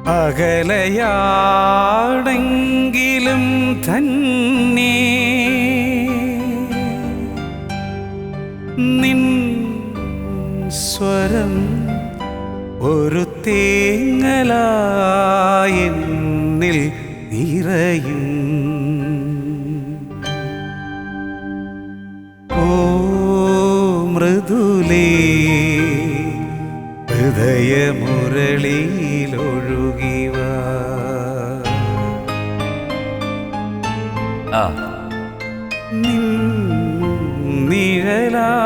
അകലയാണെങ്കിലും തന്നെ നിൻ സ്വരം ഒരു തേങ്ങലായെന്നിൽ നിറയും. ഓ മൃദുലേ ഹൃദയമുരളിയിലൊഴുകിവ. നിഴലാ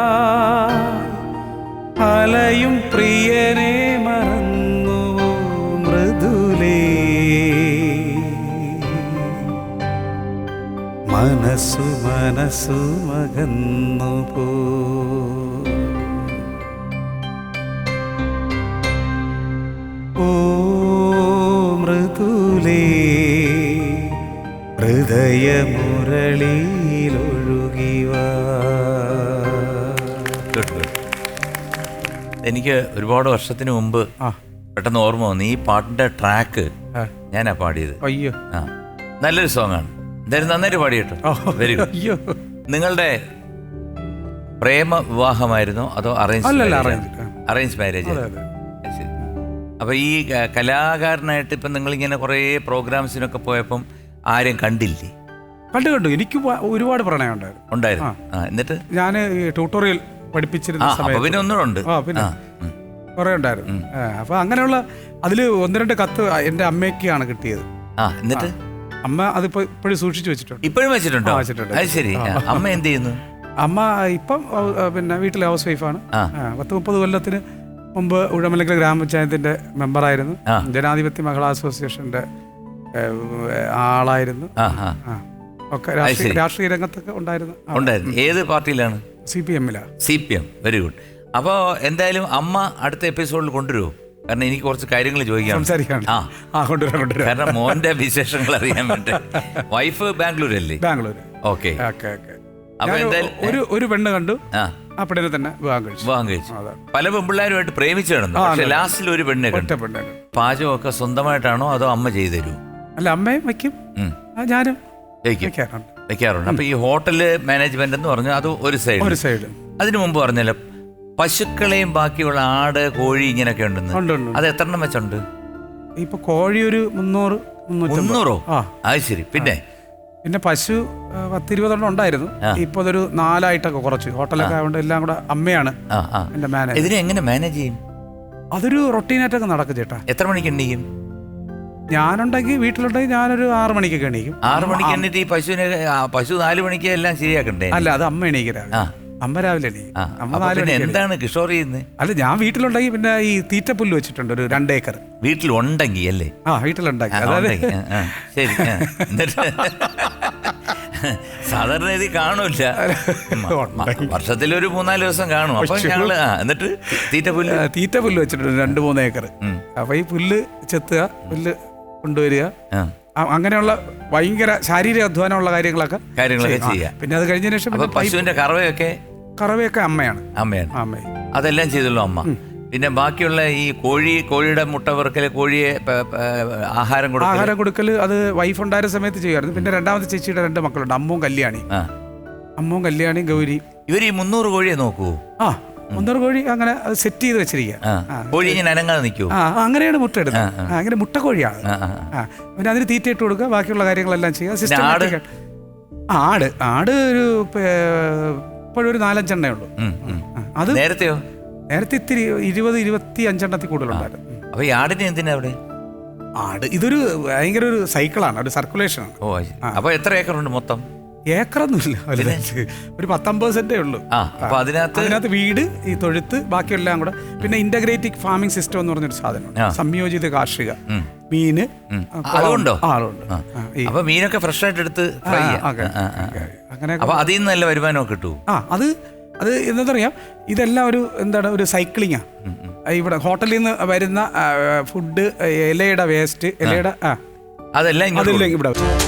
അലയും പ്രിയനെ മറന്നു മൃദുലേ. മനസ്സു മകന്നു പോ. ഓ മൃദുലേ ഹൃദയമുരളിയിലൊഴുകിവ. എനിക്ക് ഒരുപാട് വർഷത്തിന് മുമ്പ് പെട്ടെന്ന് ഓർമ്മ വന്നു, ഈ പാട്ടിന്റെ ട്രാക്ക് ഞാനാ പാടിയത്. അയ്യോ, ആ നല്ലൊരു സോങ് ആണ്. എന്തായാലും നന്നായിട്ട് പാടി കേട്ടോ. Very good. നിങ്ങളുടെ പ്രേമ വിവാഹമായിരുന്നോ അതോ അറേഞ്ച് മാരേജ്? അപ്പൊ ഈ കലാകാരനായിട്ട് ഇപ്പം നിങ്ങളിങ്ങനെ കുറേ പ്രോഗ്രാംസിനൊക്കെ പോയപ്പം ആരും കണ്ടില്ലേ? കണ്ടു. എനിക്ക് ഒരുപാട് പ്രണയം ഉണ്ടായിരുന്നു. എന്നിട്ട് ഞാൻ ട്യൂട്ടോറിയൽ പഠിപ്പിച്ചിരുന്ന സമയത്ത് പിന്നെ ഒന്നുകൂടെ പിന്നെ കുറെ ഉണ്ടായിരുന്നു. അപ്പൊ അങ്ങനെയുള്ള അതില് 1-2 കത്ത് എന്റെ അമ്മയ്ക്കാണ് കിട്ടിയത്. എന്നിട്ട് അമ്മ അതിപ്പോ ഇപ്പോഴും സൂക്ഷിച്ചു വെച്ചിട്ടുണ്ട്. ഇപ്പോഴും വെച്ചിട്ടുണ്ടോ? അത് ശരി. അമ്മ എന്ത് ചെയ്യുന്നു? അമ്മ ഇപ്പം പിന്നെ വീട്ടിലെ ഹൗസ് വൈഫാണ്. 10-30 കൊല്ലത്തിന് മുമ്പ് ഉഴമലക്കൽ ഗ്രാമപഞ്ചായത്തിന്റെ മെമ്പറായിരുന്നു. ജനാധിപത്യ മഹിളാ അസോസിയേഷന്റെ ആളായിരുന്നു. ഒക്കെ രാഷ്ട്രീയ രംഗത്തൊക്കെ ഉണ്ടായിരുന്നു. ഏത് പാർട്ടിയിലാണ്? CPM. Very good. അപ്പോൾ എന്തായാലും അമ്മ അടുത്ത എപ്പിസോഡിൽ കൊണ്ടുവരുമോ? കാരണം എനിക്ക് കുറച്ച് കാര്യങ്ങൾ ചോദിക്കാം. കാരണം മോന്റെ വിശേഷങ്ങൾ അറിയാൻ വേണ്ടി. വൈഫ് ബാംഗ്ലൂർ അല്ലേ? ബാംഗ്ലൂർ. ഓക്കെ. അപ്പൊ എന്തായാലും ഒരു പെണ്ണ് കണ്ടു, ആ പെണ്ണിനെ തന്നെ വിവാഹം കഴിച്ചു. പല പെൺപിള്ളേരുമായിട്ട് പ്രേമിച്ചു കിടന്നു. പക്ഷെ ലാസ്റ്റിൽ ഒരു പെണ്ണെ കണ്ടു. പാചകമൊക്കെ സ്വന്തമായിട്ടാണോ അതോ അമ്മ ചെയ്തു തരൂ? അല്ല, അമ്മയും വയ്ക്കും, ഞാനും വെക്കാറുണ്ട്. അപ്പൊ ഈ ഹോട്ടല് മാനേജ്മെന്റ് എന്ന് പറഞ്ഞു അത് ഒരു സൈഡ്. അതിനു മുമ്പ് പറഞ്ഞല്ലോ പശുക്കളെയും ബാക്കിയുള്ള ആട്, കോഴി ഇങ്ങനെയൊക്കെ ഉണ്ടെന്ന്. അത് എത്ര എണ്ണം വെച്ചുണ്ട്? ഇപ്പൊ കോഴി ഒരു 300-300. അത് ശരി. പിന്നെ പശു 10-20 ഉണ്ടായിരുന്നു. ഇപ്പൊ അതൊരു 4ആയിട്ടൊക്കെ കുറച്ച്. ഹോട്ടലൊക്കെ ആയതുകൊണ്ട് എല്ലാം കൂടെ അമ്മയാണ് എന്റെ മാനേജ്. ഇതിനെ എങ്ങനെ മാനേജ് ചെയ്യും? അതൊരു റൊട്ടീനായിട്ടൊക്കെ നടക്കും ചേട്ടാ. എത്ര മണിക്ക് എണീക്കും? ഞാനുണ്ടെങ്കിൽ വീട്ടിലുണ്ടെങ്കിൽ ഞാനൊരു 6 മണിക്കൊക്കെ എണീക്കും. 6 മണിക്ക് എണ്ണിട്ട് ഈ പശു 4 മണിക്ക് എല്ലാം ശരിയാക്കണ്ടേ? അല്ല, അത് അമ്മ എണീക്കരാ. അമ്മ രാവിലെ എന്താണ് കിഷോർ ചെയ്യുന്നത്? അല്ല, ഞാൻ വീട്ടിലുണ്ടെങ്കിൽ പിന്നെ ഈ തീറ്റപ്പുല്ല് വെച്ചിട്ടുണ്ട് ഒരു 2 ഏക്കർ. വീട്ടിലുണ്ടെങ്കിൽ അല്ലേ? വീട്ടിലുണ്ടെങ്കിൽ. ശരി. സാധാരണ ഇത് കാണൂല, വർഷത്തിലൊരു 3-4 ദിവസം കാണും. അപ്പൊ ഞങ്ങള് എന്നിട്ട് തീറ്റപ്പുല്ല് വെച്ചിട്ടുണ്ട് 2-3 ഏക്കർ. അപ്പൊ ഈ പുല്ല് ചെത്തുക, പുല്ല് കൊണ്ടുവരിക, അങ്ങനെയുള്ള ഭയങ്കര ശാരീരിക അധ്വാനമുള്ള കാര്യങ്ങളൊക്കെ ചെയ്യാം. പിന്നെ അത് കഴിഞ്ഞ ശേഷം പശുവിന്റെ കറവയൊക്കെ അമ്മയാണ്. അതെല്ലാം ചെയ്തല്ലോ അമ്മ. പിന്നെ ബാക്കിയുള്ള ഈ കോഴിയുടെ മുട്ട പെറുക്കല്, കോഴിയെ ആഹാരം കൊടുക്കല് അത് വൈഫ് ഉണ്ടായിരുന്ന സമയത്ത് ചെയ്യുമായിരുന്നു. പിന്നെ രണ്ടാമത്തെ ചേച്ചിയുടെ 2 മക്കളുണ്ട്, അമ്മും കല്യാണി, ഗൗരി. ഇവർ ഈ 300 കോഴിയെ നോക്കൂ? 300 കോഴി അങ്ങനെ സെറ്റ് ചെയ്ത് വെച്ചിരിക്കുക. കോഴി ഇങ്ങനെ അനങ്ങാതെ നിൽക്കൂ? അങ്ങനെയാണ് മുട്ട എടുക്കുന്നത്. അങ്ങനെ മുട്ട കോഴിയാണ്. പിന്നെ അതിന് തീറ്റ ഇട്ട് കൊടുക്കുക, ബാക്കിയുള്ള കാര്യങ്ങളെല്ലാം ചെയ്യുക. ആട് ഒരു ഇപ്പോഴും ഒരു 4-5 എണ്ണേ ഉള്ളൂ. അത് നേരത്തെ ഇത്തിരി 20-25 കൂടുതലുണ്ടായിരുന്നു. അപ്പൊ ഈ ആടിന് എന്തിനാ അവിടെ? ഇതൊരു ഭയങ്കര ഒരു സൈക്കിളാണ്, ഒരു സർക്കുലേഷനാണ്. അപ്പൊ എത്ര ഏക്കറുണ്ട് മൊത്തം? ഏക്കറൊന്നുമില്ല, ഒരു 19 സെന്റേ ഉള്ളൂ. അതിനകത്ത് വീട്, ഈ തൊഴുത്ത്, ബാക്കിയെല്ലാം കൂടെ. പിന്നെ ഇന്റഗ്രേറ്റീവ് ഫാമിംഗ് സിസ്റ്റം എന്ന് പറഞ്ഞൊരു സാധനം, സംയോജിത കാർഷിക, മീന് അതുണ്ടോ? അപ്പൊ മീനൊക്കെ ഫ്രഷ് ആയിട്ട് എടുത്ത് അങ്ങനെ അതിൽ നിന്ന് നല്ല വരുമാനമൊക്കെ കിട്ടൂ. അത് എന്താ പറയാ, ഇതെല്ലാം ഒരു സൈക്ലിങ്ങാ. ഇവിടെ ഹോട്ടലിൽ നിന്ന് വരുന്ന ഫുഡ്, ഇലയുടെ വേസ്റ്റ്, അതെല്ലാം ഇവിടെ